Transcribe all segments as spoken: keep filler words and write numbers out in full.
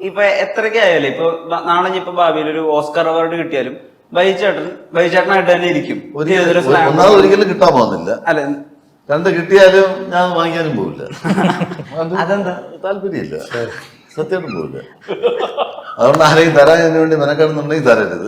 ഇപ്പൊ എത്രയൊക്കെ ആയാലും ഇപ്പൊ നാളെ ഇപ്പൊ ഭാവിയിൽ ഒരു ഓസ്കാർ അവാർഡ് കിട്ടിയാലും ബൈചേട്ടൻ ബൈചേട്ടനായിട്ട് തന്നെ ഇരിക്കും. ഒന്നാമത് ഒരിക്കലും കിട്ടാൻ പോകുന്നില്ല. അല്ല, രണ്ട് കിട്ടിയാലും ഞാൻ വാങ്ങിക്കാനും പോവില്ല. അതെന്താ? താല്പര്യമില്ല, സത്യമായിട്ടും പോവില്ല. അതുകൊണ്ട് ആരെയും തരാൻ അതിനു വേണ്ടി മെനക്കെടുന്നുണ്ടെങ്കിൽ തരരുത്.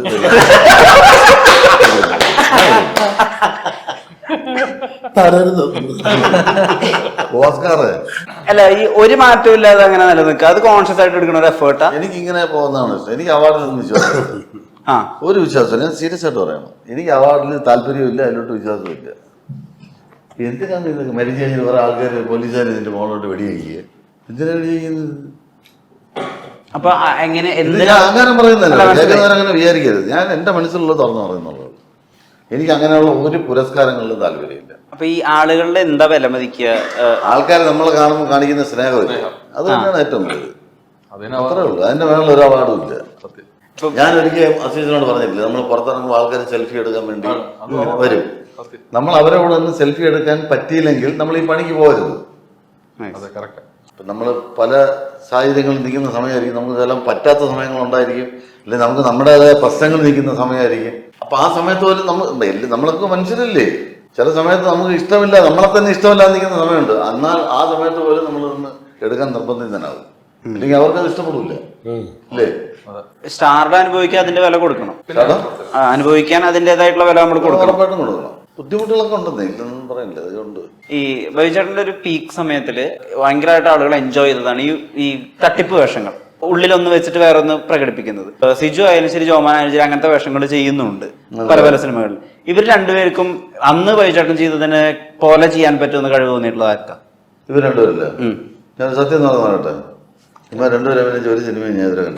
ഓസ്കാറ് അല്ല, ഈ ഒരു മാറ്റവും ഇല്ലാതെ അങ്ങനെ നിലനിൽക്കുക, അത് കോൺഷ്യസ് ആയിട്ട് എടുക്കുന്ന ഒരു എഫേർട്ടാ. എനിക്ക് ഇങ്ങനെ പോകുന്നതാണ് ഇഷ്ടം. എനിക്ക് അവാർഡിലൊന്നും വിശ്വാസം ആ ഒരു വിശ്വാസം ഞാൻ സീരിയസ് ആയിട്ട് പറയണം. എനിക്ക് അവാർഡിൽ താല്പര്യമില്ല, അതിലോട്ട് വിശ്വാസമില്ല. എന്തിനാണ് ഇതൊക്കെ മരിച്ചു കഴിഞ്ഞാൽ കുറെ ആൾക്കാർ പോലീസുകാർ ഇതിന്റെ മോളോട്ട് വെടിവെക്കുക? എന്തിനാണ് വെടി ചെയ്യുന്നത്? അപ്പൊ എങ്ങനെ ഞാൻ അങ്ങനെ പറയുന്നല്ല, അങ്ങനെ വിചാരിക്കരുത്. ഞാൻ എന്റെ മനസ്സിലുള്ളത് തുറന്നു പറയുന്നുള്ളൂ. എനിക്ക് അങ്ങനെയുള്ള ഒരു പുരസ്കാരങ്ങളിലും താല്പര്യമില്ല. അപ്പൊ ഈ ആളുകളുടെ എന്താ വില മതിക്കുക? ആൾക്കാർ നമ്മളെ കാണുമ്പോൾ കാണിക്കുന്ന സ്നേഹമില്ല, അത് തന്നെയാണ് ഏറ്റവും വലുത്. അത്രേ ഉള്ളൂ. അതിന്റെ മേളിൽ ഒരു അവാർഡും ഇല്ല. ഞാൻ ഒരിക്കലും അസീസിനോട് പറഞ്ഞിട്ടില്ല, നമ്മൾ പുറത്തിറങ്ങുമ്പോൾ ആൾക്കാർ സെൽഫി എടുക്കാൻ വേണ്ടി വരും. നമ്മൾ അവരെ കൂടെ ഒന്ന് സെൽഫി എടുക്കാൻ പറ്റിയില്ലെങ്കിൽ നമ്മൾ ഈ പണിക്ക് പോകരുത്. നമ്മൾ പല സാഹചര്യങ്ങളിൽ നിൽക്കുന്ന സമയമായിരിക്കും, നമുക്ക് ഇതെല്ലാം പറ്റാത്ത സമയങ്ങളുണ്ടായിരിക്കും, അല്ലെങ്കിൽ നമുക്ക് നമ്മുടേതായ പ്രശ്നങ്ങൾ നിൽക്കുന്ന സമയമായിരിക്കും. അപ്പൊ ആ സമയത്ത് പോലും നമ്മൾ നമ്മളൊക്കെ മനുഷ്യരല്ലേ, ചില സമയത്ത് നമുക്ക് ഇഷ്ടമില്ല, നമ്മളെ തന്നെ ഇഷ്ടമില്ലാതെ നിൽക്കുന്ന സമയമുണ്ട്. എന്നാൽ ആ സമയത്ത് പോലും നമ്മളൊന്ന് എടുക്കാൻ നിർബന്ധിതനാകും, അല്ലെങ്കിൽ അവർക്കത് ഇഷ്ടപ്പെടില്ല അല്ലേ? സ്റ്റാറിന് അനുഭവിക്കാൻ അതിന്റെ വില കൊടുക്കണം, അനുഭവിക്കാൻ അതിന്റേതായിട്ടുള്ള വില നമ്മൾ കൊടുക്കണം, ഉറപ്പായിട്ടും കൊടുക്കണം. ബുദ്ധിമുട്ടുകളൊക്കെ ഉണ്ടെന്നേ, ഇല്ലെന്നും പറയില്ല. അതുകൊണ്ട് ഈ ബൈചേട്ടന്റെ ഒരു പീക്ക് സമയത്തില് ഭയങ്കരമായിട്ട് ആളുകൾ എൻജോയ് ചെയ്തതാണ് ഈ ഈ തട്ടിപ്പ് വേഷങ്ങൾ, ഉള്ളിലൊന്ന് വെച്ചിട്ട് വേറെ ഒന്ന് പ്രകടിപ്പിക്കുന്നത്. സിജു ആയാലും ശരി, ജോമാൻ ആയാലും ശരി, അങ്ങനത്തെ വേഷങ്ങൾ ചെയ്യുന്നുണ്ട് പല പല സിനിമകളിൽ. ഇവർ രണ്ടുപേർക്കും അന്ന് ബൈചേട്ടൻ ചെയ്തതിനെ പോലെ ചെയ്യാൻ പറ്റുമെന്ന് കഴിവ് തോന്നിയിട്ടുള്ളത് ആർക്കാ? ഇവർ രണ്ടുപേരല്ല. ഞാൻ സത്യം എന്ന് പറയട്ടെ, ഇവർ രണ്ടുപേരും അഭിനയിച്ച ഒരു സിനിമ ഞാൻ ഇതുവരെ കണ്ടു.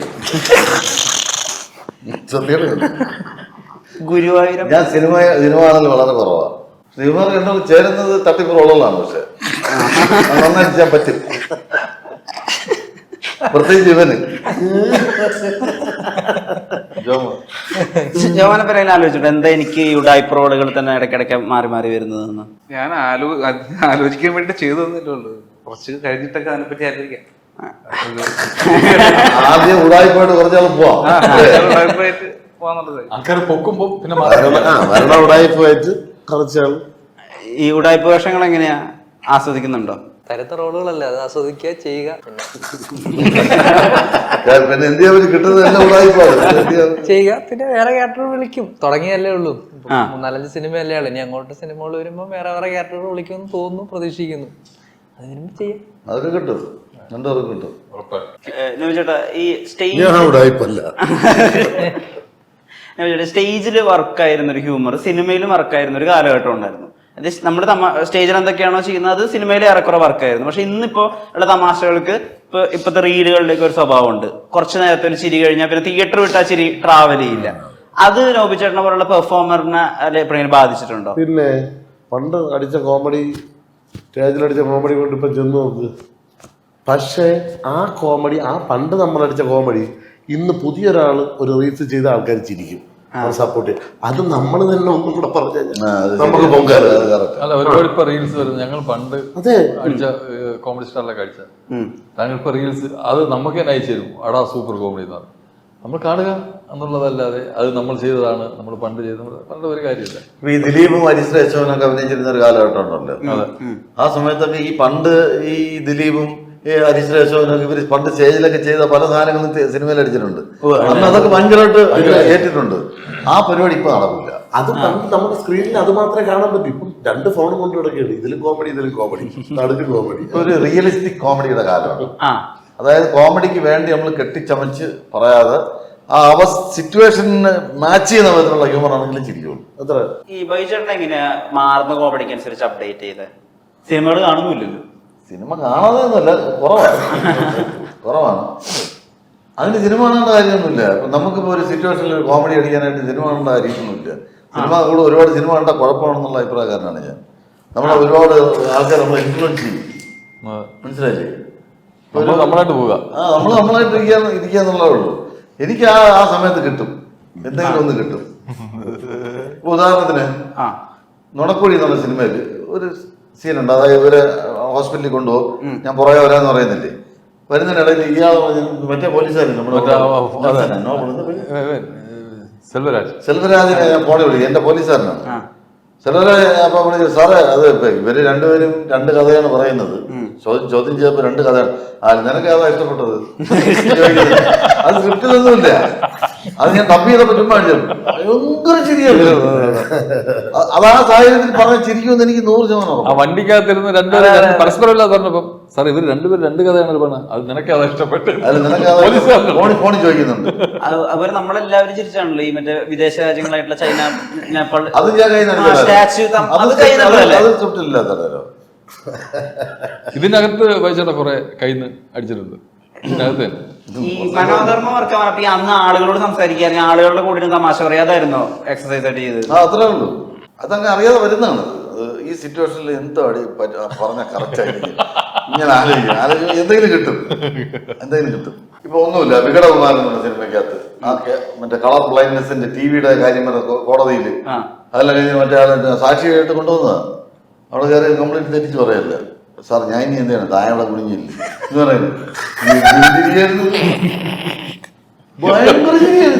സത്യം, ഗുരുവായൂരം. ഞാൻ സിനിമ സിനിമ കാണൽ വളരെ കുറവാണ്. സിനിമ കണ്ടാൽ ചേരുന്നത് തട്ടിപ്പുറമുള്ളതാണ്. പക്ഷെ നന്നായിട്ട് ചെയ്യാൻ പറ്റും, പ്രത്യേകിച്ച് ഇവന്. ജോമാനെ പറയാൻ ആലോചിച്ചിട്ട് എന്താ എനിക്ക് ഈ ഉഡായിപ്പ് റോളുകൾ തന്നെ ഇടയ്ക്കിടയ്ക്ക് മാറി മാറി വരുന്നതെന്ന് ഞാൻ ആലോ ആലോചിക്കാൻ വേണ്ടി ചെയ്തു തന്നില്ലേ ഉള്ളൂ. കുറച്ച് കഴിഞ്ഞിട്ടൊക്കെ അതിനെപ്പറ്റി ആലോചിക്കാം. ആദ്യം ഉടായിപ്പോയിട്ട് കുറച്ചാൾ പോവാം, ആൾക്കാർ പൊക്കുമ്പോ പിന്നെ മരണ ഉടായിപ്പോയിട്ട് കുറച്ചാൾ. ഈ ഉഡായിപ്പ് വേഷങ്ങൾ എങ്ങനെയാ, ആസ്വദിക്കുന്നുണ്ടോ? തരത്തെ റോളുകളല്ലേ, അത് ആസ്വദിക്കുക, ചെയ്യുക, പിന്നെ എന്ത് കിട്ടുന്നത് എല്ലാം ഉടായിപ്പാണ് ചെയ്യുക. പിന്നെ വേറെ ക്യാരക്ടർ വിളിക്കും, തുടങ്ങിയല്ലേ ഉള്ളൂ. മൂന്നാലഞ്ച് സിനിമയല്ലേ ഉള്ളൂ, ഇനി അങ്ങോട്ട് സിനിമകൾ വരുമ്പോ വേറെ വേറെ ക്യാരക്ടർ വിളിക്കുമെന്ന് തോന്നുന്നു, പ്രതീക്ഷിക്കുന്നു. അത് വരുമ്പോ ചെയ്യാം, അതൊക്കെ കിട്ടും, രണ്ടുപേർക്കും കിട്ടും. ചേട്ടാ, ഈ സ്റ്റേജ് സ്റ്റേജിൽ വർക്കായിരുന്ന ഒരു ഹ്യൂമർ സിനിമയിലും വർക്കായിരുന്ന ഒരു കാലഘട്ടം ഉണ്ടായിരുന്നു. അത് നമ്മുടെ സ്റ്റേജിൽ എന്തൊക്കെയാണോ ചെയ്യുന്നത് അത് സിനിമയിൽ ഏറെക്കുറെ വർക്കായിരുന്നു. പക്ഷെ ഇന്നിപ്പോ ഉള്ള തമാശകൾക്ക് ഇപ്പൊ ഇപ്പോഴത്തെ റീലുകളിലേക്ക് ഒരു സ്വഭാവം ഉണ്ട്. കുറച്ചു നേരത്തെ ഒരു ചിരി കഴിഞ്ഞാൽ പിന്നെ തിയേറ്റർ വിട്ടാ ചിരി ട്രാവൽ ചെയ്യില്ല. അത് നോബിച്ചേട്ടനെ പോലുള്ള പെർഫോമറിനെ അല്ലെ എപ്പോഴെങ്കിലും ബാധിച്ചിട്ടുണ്ടോ? പിന്നെ പണ്ട് അടിച്ച കോമഡി, സ്റ്റേജിലടിച്ച കോമഡി കൊണ്ട് ഇപ്പൊ ചെന്ന് നോക്ക്. പക്ഷേ ആ കോമഡി, ആ പണ്ട് നമ്മളടിച്ച കോമഡി ഇന്ന് പുതിയൊരാൾ ഒരു റീൽസ് ചെയ്ത ആൾക്കാർ ചിരിക്കും, സപ്പോർട്ട് ചെയ്യും. അത് നമ്മൾ തന്നെ ഒന്നും കൂടെ പറഞ്ഞു നമുക്ക് പൊങ്കാല. അല്ല, ഒരുപാട് ഇപ്പൊ റീൽസ് വരുന്നത് ഞങ്ങൾ പണ്ട് അടിച്ച കോമഡി സ്റ്റാറിലൊക്കെ അടിച്ച താങ്കൾ ഇപ്പൊ റീൽസ് അത് നമുക്ക് തന്നെ അയച്ചു തരും. അടാ സൂപ്പർ കോമഡി എന്നാണ് നമ്മൾ കാണുക എന്നുള്ളതല്ലാതെ അത് നമ്മൾ ചെയ്തതാണ്, നമ്മൾ പണ്ട് ചെയ്തത് പണ്ട് ഒരു കാര്യമില്ല. ഈ ദിലീപും ഹരീഷ് രേശവനൊക്കെ അഭിനയിച്ചിരുന്ന ഒരു കാലഘട്ടം ഉണ്ടല്ലോ. ആ സമയത്തൊക്കെ ഈ പണ്ട് ഈ ദിലീപും ഈ ഹരീഷ് രേശവനൊക്കെ ഇവര് പണ്ട് സ്റ്റേജിലൊക്കെ ചെയ്ത പല സാധനങ്ങളും സിനിമയിൽ അടിച്ചിട്ടുണ്ട്. അന്ന് അതൊക്കെ ഭയങ്കരമായിട്ട് ഏറ്റിട്ടുണ്ട്. ആ പരിപാടി ഇപ്പൊ നടക്കില്ല. അത് പണ്ട് നമ്മുടെ സ്ക്രീനിൽ അത് മാത്രമേ കാണാൻ പറ്റൂ. ഇപ്പം രണ്ട് ഫോണും കൊണ്ട് കിടക്കുകയാണ്, ഇതിലും കോമഡി ഇതിലും കോമഡി, നടുക്ക് കോമഡി. ഒരു റിയലിസ്റ്റിക് കോമഡിയുടെ കാലമാണ്. അതായത് കോമഡിക്ക് വേണ്ടി നമ്മൾ കെട്ടിച്ചമച്ച് പറയാതെ ആ അവ സിറ്റുവേഷന് മാച്ച് ചെയ്യുന്ന വിധത്തിലുള്ള ഹ്യൂമർ ആണെങ്കിലും ചിരിക്കുള്ളൂ. അത്ര. ഈ ബൈചേട്ടൻ എങ്ങനെയാ മാറുന്ന കോമഡിക്ക് അനുസരിച്ച് അപ്ഡേറ്റ് ചെയ്ത് സിനിമകൾ കാണുന്നില്ലല്ലോ? സിനിമ കാണാതെയൊന്നുമല്ല, കുറവാണ് കുറവാണ് അതിന് സിനിമ കാണേണ്ട കാര്യമൊന്നുമില്ല. നമുക്കിപ്പോൾ ഒരു സിറ്റുവേഷനിൽ കോമഡി അടിക്കാനായിട്ട് സിനിമ കാണേണ്ട കാര്യമൊന്നുമില്ല. സിനിമ കൂടെ ഒരുപാട് സിനിമ കണ്ടാൽ കുഴപ്പമാണെന്നുള്ള അഭിപ്രായക്കാരനാണ് ഞാൻ. നമ്മളെ ഒരുപാട് ആൾക്കാർ നമ്മളെ ഇൻഫ്ലുവൻസ് ചെയ്യും, മനസ്സിലായില്ലേ? നമ്മളായിട്ട് പോവുക, ആ നമ്മൾ നമ്മളായിട്ട് ഇരിക്കാൻ ഇരിക്കുക എന്നുള്ളതേ ഉള്ളൂ. എനിക്ക് ആ ആ സമയത്ത് കിട്ടും, എന്തെങ്കിലും ഒന്ന് കിട്ടും. ഇപ്പൊ ഉദാഹരണത്തിന് നുണക്കുഴി എന്നുള്ള സിനിമയിൽ ഒരു സീനുണ്ട്. അതായത് ഇവര് ഹോസ്പിറ്റലിൽ കൊണ്ടുപോകും, ഞാൻ പുറകെ വരാന്ന് പറയുന്നില്ലേ. വരുന്നതിനിടയിൽ ഇയാൾ മറ്റേ പോലീസുകാരൻ നമ്മുടെ മറ്റേ ആ, അതെ. നോബൽ എന്താ പേര്? ഏ, ഏ, സെൽവരാജ് സെൽവരാജിനെ ഞാൻ ഫോണിൽ വിളിക്കും, എന്റെ പോലീസുകാരനാണ്. സെൽവരാജ് അപ്പൊ വിളിച്ചു, സാറേ അത് ഇപ്പൊ ഇവര് രണ്ടുപേരും രണ്ട് കഥയാണ് പറയുന്നത്, ചോദ്യം ചോദ്യം ചെയ്തപ്പോ രണ്ട് കഥയാണ്. ആ നിനക്ക് അതാ ഇഷ്ടപ്പെട്ടത്? അത് സ്ക്രിപ്റ്റിലൊന്നുമില്ല, അത് ഞാൻ തപ്പി ചെയ്തപ്പോ ചുമ്മാ അടിച്ചു. ഭയങ്കര ചിരിയാണ്. അത് ആ സാഹചര്യത്തിൽ പറഞ്ഞ ചിരിക്കുമെന്ന് എനിക്ക് നൂറ് ശതമാനം. ആ വണ്ടിക്കകത്തിരുന്ന് രണ്ടുപേരും പരസ്പരം ഇല്ലാതെ പറഞ്ഞപ്പം സാർ ഇവർ രണ്ടുപേരും രണ്ട് കഥയാണ് പറഞ്ഞത്, അത് നിനക്ക് അതാ ഇഷ്ടപ്പെട്ടത്? അത് നിനക്ക് അതാ ഫോണിൽ ഫോണിൽ ചോദിക്കുന്നുണ്ട്. അവർ നമ്മളെല്ലാവരും ചിരിച്ചാണല്ലോ ഈ മറ്റേ വിദേശ രാജ്യങ്ങളായിട്ടുള്ള ചൈന, നേപ്പാൾ, അത് ഞാൻ കൈ സ്റ്റാച്യു, അത് കൈ അത് സ്ക്രിപ്റ്റിലില്ലാത്തല്ലോ. ഇതിനകത്ത് വായിച്ചേട്ടാ കുറെ കയ്യിൽ നിന്ന് അടിച്ചിട്ടുണ്ട് ഇതിനകത്ത് തന്നെ. ഈ മനോധർമ്മ വർക്ക് പറഞ്ഞപ്പോ ഈ അന്ന് ആളുകളോട് സംസാരിക്കാൻ ആളുകളുടെ കൂടെ തമാശ പറയാതായിരുന്നോ എക്സസൈസ് ആയിട്ട് ചെയ്ത്? ആ അത്രേ ഉള്ളൂ. അതങ്ങ് അറിയാതെ വരുന്നതാണ്. ഈ സിറ്റുവേഷനിൽ എന്തോ അടി പറഞ്ഞ കറക്റ്റ് ആയിരിക്കും. ഇങ്ങനെ ആലോചിക്കും ആലോചിക്കും എന്തെങ്കിലും കിട്ടും, എന്തെങ്കിലും കിട്ടും. ഇപ്പൊ ഒന്നുമില്ല, വികടകുമാരൻ എന്ന സിനിമയ്ക്കകത്ത് ആ മറ്റേ കളർ ബ്ലൈൻഡ്നെസിന്റെ ടിവിയുടെ കാര്യം കോടതിയിൽ അതെല്ലാം കഴിഞ്ഞ് മറ്റേ ആളെ സാക്ഷിയായിട്ട് കൊണ്ടുവന്നതാണ്. അവിടെ കയറി കംപ്ലീറ്റ് തെറ്റിച്ച് പറയല്ല, സാർ ഞാൻ ഇനി എന്താണ് താഴെ കുടുങ്ങിയില്ല എന്ന് പറയുന്നത്. ഭയങ്കര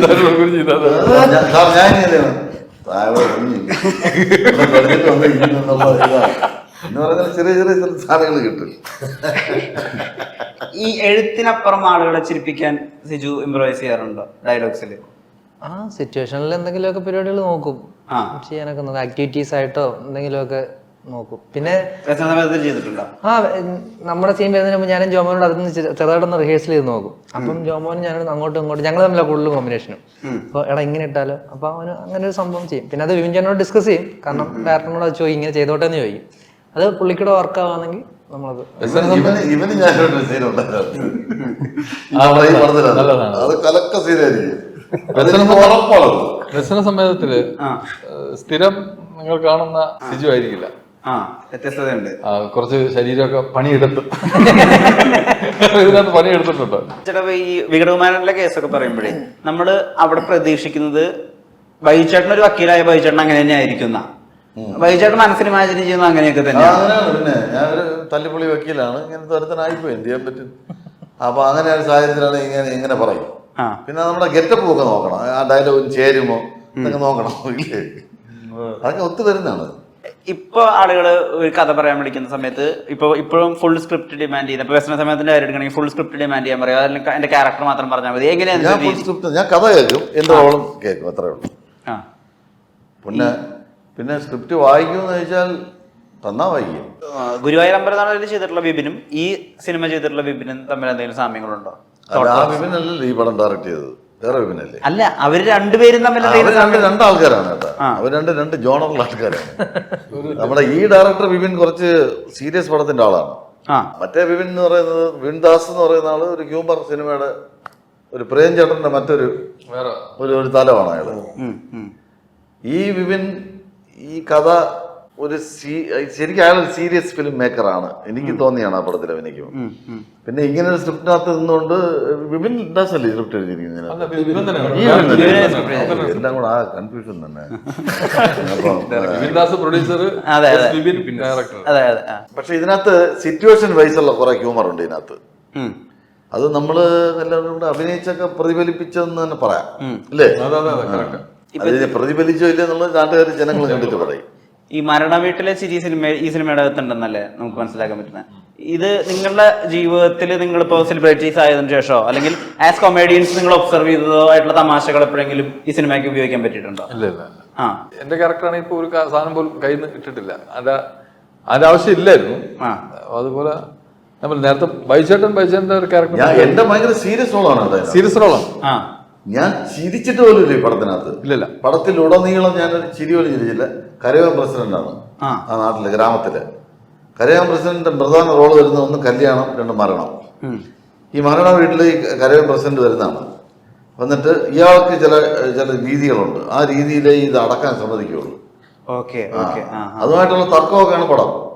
സാർ ഞാൻ ഇനി എന്താണ് താഴെ കുടുങ്ങിയില്ല എന്ന് പറയുന്ന ചെറിയ ചെറിയ സാധനങ്ങൾ കിട്ടും. ഈ എഴുത്തിനപ്പുറം ആളുകളെ ചിരിപ്പിക്കാൻ സിജു ഇംപ്രവൈസ് ചെയ്യാറുണ്ടോ ഡയലോഗ്സിൽ? ആ സിറ്റുവേഷനിൽ എന്തെങ്കിലുമൊക്കെ പരിപാടികൾ നോക്കും, ചെയ്യാനൊക്കെ നോക്കും, ആക്ടിവിറ്റീസ് ആയിട്ടോ എന്തെങ്കിലുമൊക്കെ നോക്കും. പിന്നെ ചെയ്തിട്ടുണ്ടോ? ആ നമ്മുടെ സീൻ വരുന്നതിന് മുമ്പ് ഞാനും ജോമോനോട് അതൊന്ന് ചെറുതായിട്ടൊന്ന് റിഹേഴ്സൽ ചെയ്ത് നോക്കും. അപ്പം ജോമോനും ഞാനും അങ്ങോട്ടും ഇങ്ങോട്ടും ഞങ്ങൾ തമ്മിലാണ് കൂടുതൽ കോമ്പിനേഷനും. അപ്പോൾ എടാ ഇങ്ങനെ ഇട്ടാലോ, അപ്പൊ അവന് അങ്ങനെ ഒരു സംഭവം ചെയ്യും. പിന്നെ അത് വിവിൻചാനോട് ഡിസ്കസ് ചെയ്യും, കാരണം ഡയറക്ടറിനോട് അത് ചോദിക്കും ഇങ്ങനെ ചെയ്തോട്ടെ എന്ന് ചോദിക്കും. അത് പുള്ളിക്കൂടെ വർക്ക് ആവാണെങ്കിൽ നമ്മളത് ഇവന് ഞാനൊരു സീനുണ്ടായിരുന്നു, അത് കലക്ക സീനായിരിക്കും. ദർശന സമയത്തില് സ്ഥിരം നിങ്ങൾ കാണുന്ന സിജു ആയിരിക്കില്ല, വ്യത്യസ്തതയുണ്ട്. കുറച്ച് ശരീരമൊക്കെ പണിയെടുത്ത് ഇതിനകത്ത് പണിയെടുത്തിട്ടുണ്ടോ? ചേട്ടാ ഈ വികടകുമാരന്റെ കേസൊക്കെ പറയുമ്പോഴേ നമ്മള് അവിടെ പ്രതീക്ഷിക്കുന്നത് ബൈചേട്ടൻ ഒരു വക്കീലായ ബൈചേട്ടൻ അങ്ങനെ തന്നെ ആയിരിക്കുന്ന, ബൈചേട്ടൻ മനസ്സിന് ഇമാജിൻ ചെയ്യുന്നത് അങ്ങനെയൊക്കെ തന്നെയാണ്. പിന്നെ ഞാനൊരു തല്ലിപ്പൊളി വക്കീലാണ്, ഇങ്ങനത്തെ ഒരുത്തനായിപ്പോയി, എന്ത് ചെയ്യാൻ പറ്റും. അപ്പൊ അങ്ങനെ ഒരു സാഹചര്യത്തിലാണ് ഇങ്ങനെ ഇങ്ങനെ പറയും. പിന്നെ നമ്മുടെ ഗെറ്റപ്പ് ഒക്കെ നോക്കണം, ആ ഡയലോഗിന് ചേരുമോ എന്നൊക്കെ നോക്കണം, ഇല്ലേ? അതൊക്കെ ഒത്തു വരുന്നതാണ്. ഇപ്പൊ ആളുകള് ഒരു കഥ പറയാൻ വിളിക്കുന്ന സമയത്ത് ഇപ്പൊ ഇപ്പോഴും ഫുൾ സ്ക്രിപ്റ്റ് ഡിമാൻഡ് ചെയ്യുന്നത്. ഇപ്പൊ വ്യസന സമയത്തിന്റെ കാര്യം എടുക്കണമെങ്കിൽ ഫുൾ സ്ക്രിപ്റ്റ് ഡിമാൻഡ് ചെയ്യാൻ പറയാം, അല്ലെങ്കിൽ എന്റെ ക്യാരക്ടർ മാത്രം പറഞ്ഞാൽ മതി. എങ്ങനെയാണ് ഞാൻ ഫുൾ സ്ക്രിപ്റ്റ്, ഞാൻ കഥ കേൾക്കും, എന്റെ റോളും കേൾക്കും, അത്രേ ഉള്ളൂ. പിന്നെ പിന്നെ സ്ക്രിപ്റ്റ് വായിക്കുമെന്ന് ചോദിച്ചാൽ തന്നാ വായിക്കും. ഗുരുവായൂർ അമ്പലനാളിൽ ചെയ്തിട്ടുള്ള വിപിനും ഈ സിനിമ ചെയ്തിട്ടുള്ള വിപിനും തമ്മിൽ എന്തെങ്കിലും സാമ്യങ്ങളുണ്ടോ? ആ വിപിനല്ലല്ലോ ഈ പടം ഡയറക്ട് ചെയ്തത്, വേറെ വിപിനല്ലേ? അല്ല, അവര് രണ്ടുപേരും തമ്മിൽ രണ്ട് രണ്ട് ആൾക്കാരാണ് കേട്ടോ, അവർ രണ്ട് രണ്ട് ജോണറുള്ള ആൾക്കാരാണ്. നമ്മുടെ ഈ ഡയറക്ടർ വിപിൻ കുറച്ച് സീരിയസ് പടത്തിന്റെ ആളാണ്. മറ്റേ വിപിൻ എന്ന് പറയുന്നത് വിപിൻ ദാസ് എന്ന് പറയുന്ന ആള് ഒരു ഹ്യൂമർ സിനിമയുടെ ഒരു പ്രേം ചേട്ടന്റെ മറ്റൊരു ഒരു ഒരു തലമാണ് അയാള്. ഈ വിപിൻ ഈ കഥ ഒരു ശരിക്കും അയാൾ ഒരു സീരിയസ് ഫിലിം മേക്കറാണ്, എനിക്ക് തോന്നിയാണ് ആ പടത്തിൽ അഭിനയിക്കും. പിന്നെ ഇങ്ങനെ ഒരു സ്ക്രിപ്റ്റിനകത്ത് നിന്നുകൊണ്ട് വിപിൻ ദാസ് അല്ലേ സ്ക്രിപ്റ്റ് എഴുതിയിരിക്കുന്നത്, എല്ലാം കൂടെ ആ കൺഫ്യൂഷൻ തന്നെ. പക്ഷെ ഇതിനകത്ത് സിറ്റുവേഷൻ വൈസുള്ള കുറെ ഹ്യൂമർ ഉണ്ട് ഇതിനകത്ത്. അത് നമ്മള് എല്ലാവരും കൂടെ അഭിനയിച്ചൊക്കെ പ്രതിഫലിപ്പിച്ചെന്ന് തന്നെ പറയാം, അല്ലേ? അതിന് പ്രതിഫലിച്ചോ ഇല്ല എന്നുള്ളത് നാട്ടുകാർ ജനങ്ങൾ കണ്ടിട്ട് പറയും. ഈ മരണ വീട്ടിലെ ചിരി സിനിമ ഈ സിനിമയുടെ അകത്തുണ്ടെന്നല്ലേ നമുക്ക് മനസ്സിലാക്കാൻ പറ്റുന്നത്. ഇത് നിങ്ങളുടെ ജീവിതത്തിൽ നിങ്ങളിപ്പോ സെലിബ്രിറ്റീസ് ആയതിനു ശേഷമോ അല്ലെങ്കിൽ ആസ് കൊമേഡിയൻസ് നിങ്ങൾ ഒബ്സർവ് ചെയ്തതോ ആയിട്ടുള്ള തമാശകൾ എപ്പോഴെങ്കിലും ഈ സിനിമയ്ക്ക് ഉപയോഗിക്കാൻ പറ്റിയിട്ടുണ്ടോ? ഇല്ല ഇല്ല. ആ എന്റെ ക്യാരക്ടറാണ് ഇപ്പൊ ഒരു സാധനം പോലും കയ്യിൽ നിന്ന് ഇട്ടിട്ടില്ല, അതിന്റെ അതിന്റെ ആവശ്യം ഇല്ലായിരുന്നു. അതുപോലെ നമ്മൾ നേരത്തെ ബൈചേട്ടൻ ബൈചേട്ടന്റെ ഒരു ക്യാരക്ടർ എന്റെ ഭയങ്കര സീരിയസ് റോളാണ്, സീരിയസ് റോളാണ്. ഞാൻ ചിരിച്ചിട്ട് പോലും ഇല്ല ഈ പടത്തിനകത്ത്. ഇല്ലല്ല, പടത്തിൽ ഉടനീളം ഞാനൊരു ചിരി പോലും ചിരിച്ചില്ല. കരയോൻ പ്രസിഡന്റാണ് ആ നാട്ടില്, ഗ്രാമത്തില്. കരയോൻ പ്രസിഡന്റ് പ്രധാന റോള് വരുന്ന ഒന്ന് കല്യാണം, രണ്ട് മരണം. ഈ മരണ വീട്ടിൽ ഈ കരയോൻ പ്രസിഡന്റ് വരുന്നതാണ്. വന്നിട്ട് ഇയാൾക്ക് ചില ചില രീതികളുണ്ട്, ആ രീതിയിലേ ഇത് അടക്കാൻ സമ്മതിക്കുള്ളൂ. അതുമായിട്ടുള്ള തർക്കമൊക്കെയാണ് പടം.